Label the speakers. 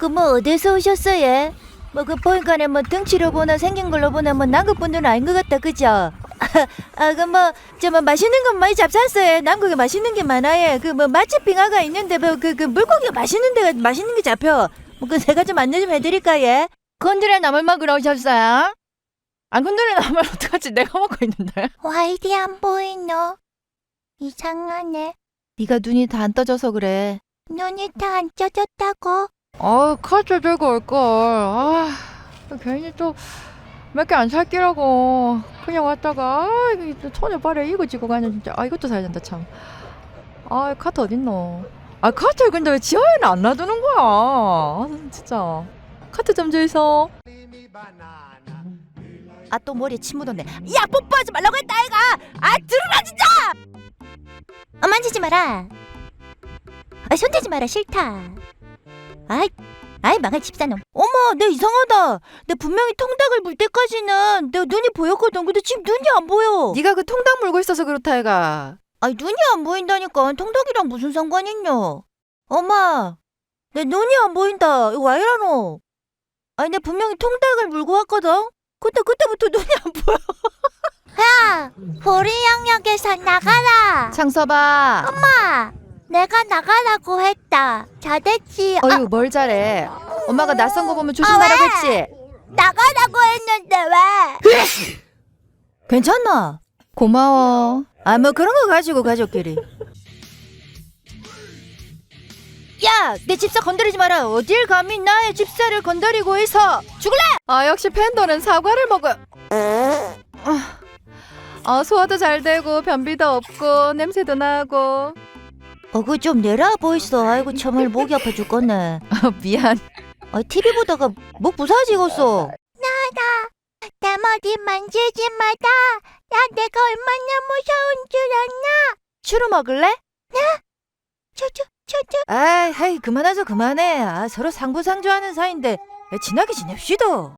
Speaker 1: 그 뭐 어디서 오셨어요? 뭐 그 보니까는 뭐 등치로 보나 생긴 걸로 보나 뭐 남극분들은 아닌 것 같다 그죠? 그 뭐 저 뭐 맛있는 건 많이 잡쌌어요. 남극에 맛있는 게 많아요. 그 뭐 맛집 빙하가 있는데 뭐 그 물고기가 맛있는 데가 맛있는 게 잡혀. 뭐 그 제가 좀 안내 좀 해드릴까요? 건드레 나물 먹으러 오셨어요? 안 건드레 나물 어떡하지? 내가 먹고 있는데.
Speaker 2: 와, 이리 안 보이노? 이상하네.
Speaker 1: 네가 눈이 다 안 떠져서 그래.
Speaker 2: 눈이 다 안 쪄졌다고?
Speaker 1: 카드 들고 올걸. 괜히 또 몇 개 안 살기라고 그냥 왔다가 이게 또 손에 발에 이거 쥐고 가냐 진짜. 이것도 사야 된다 참. 카트 어딨노? 카트를 근데 왜 지하에는 안 놔두는 거야? 진짜. 카트 좀 주이소. 또 머리에 침 묻었네. 야, 뽀뽀하지 말라고 했다 아이가. 들으라 진짜.
Speaker 2: 만지지 마라. 손대지 마라, 싫다. 망할 집사놈.
Speaker 1: 어머, 내 이상하다. 내 분명히 통닭을 물 때까지는 내 눈이 보였거든. 근데 지금 눈이 안 보여. 네가 그 통닭 물고 있어서 그렇다 애가. 눈이 안 보인다니까. 통닭이랑 무슨 상관 있냐. 엄마, 내 눈이 안 보인다. 이거 왜 이러노? 내 분명히 통닭을 물고 왔거든. 근데 그때부터 눈이 안 보여.
Speaker 2: 야, 보리 영역에서 나가라.
Speaker 1: 창서봐.
Speaker 2: 엄마, 내가 나가라고 했다. 잘됐지.
Speaker 1: 어휴, 뭘 잘해. 엄마가 낯선 거 보면 조심하라고
Speaker 2: 왜?
Speaker 1: 했지.
Speaker 2: 나가라고 했는데 왜?
Speaker 1: 괜찮나? 고마워. 뭐 그런 거 가지고 가족끼리. 야, 내 집사 건드리지 마라. 어딜 감히 나의 집사를 건드리고 있어. 죽을래? 역시 팬더는 사과를 먹어. 소화도 잘 되고 변비도 없고 냄새도 나고. 그거 좀 내라 보이소. 아이고 정말 목이 아파 죽겠네. 미안. TV 보다가 목 부사지겠어.
Speaker 2: 내 머리 만지지 마라. 야, 내가 얼마나 무서운 줄 아나?
Speaker 1: 추루 먹을래?
Speaker 2: 초초.
Speaker 1: 그만하자 그만해. 서로 상부상조하는 사이인데 친하게 지냅시다.